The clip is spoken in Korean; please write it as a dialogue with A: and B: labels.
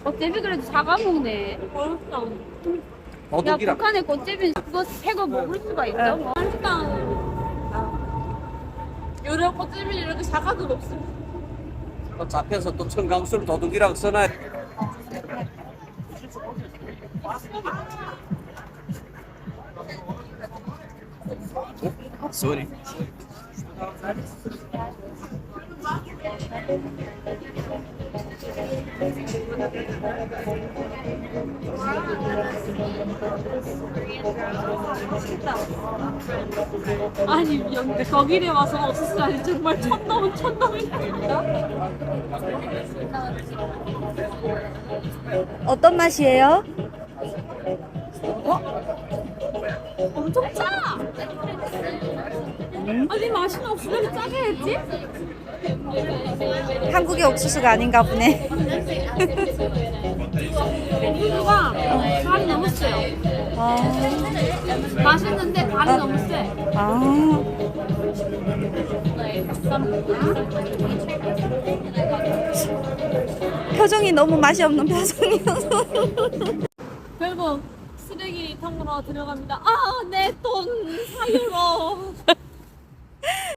A: 꽃제비 그래도 잡아먹네.
B: 어렵다.
A: 야,
C: 도둑이라.
A: 북한의 꽃제비 그거 새거 먹을 수가 있어?
B: 네.
A: 뭐.
B: 요런 꽃집이 이렇게 작아도 높습니다.
C: 또 잡혀서 또 청강수를 도둑이라고 써놔. 소리.
B: 아니, 거기에 와서 없었어요. 정말 천놈이다.
D: 어떤 맛이에요?
B: 엄청 짜! 아니, 맛이 없어. 왜 이렇게 짜게 했지?
D: 한국의 옥수수가 아닌가 보네.
B: 옥수수가 간이 너무 세요.
D: 아,
B: 맛있는데 간이 너무 세.
D: 아. 표정이 너무 맛이 없는 표정이어서.
B: 결국 쓰레기통으로 들어갑니다. 아, 내 돈 사유로.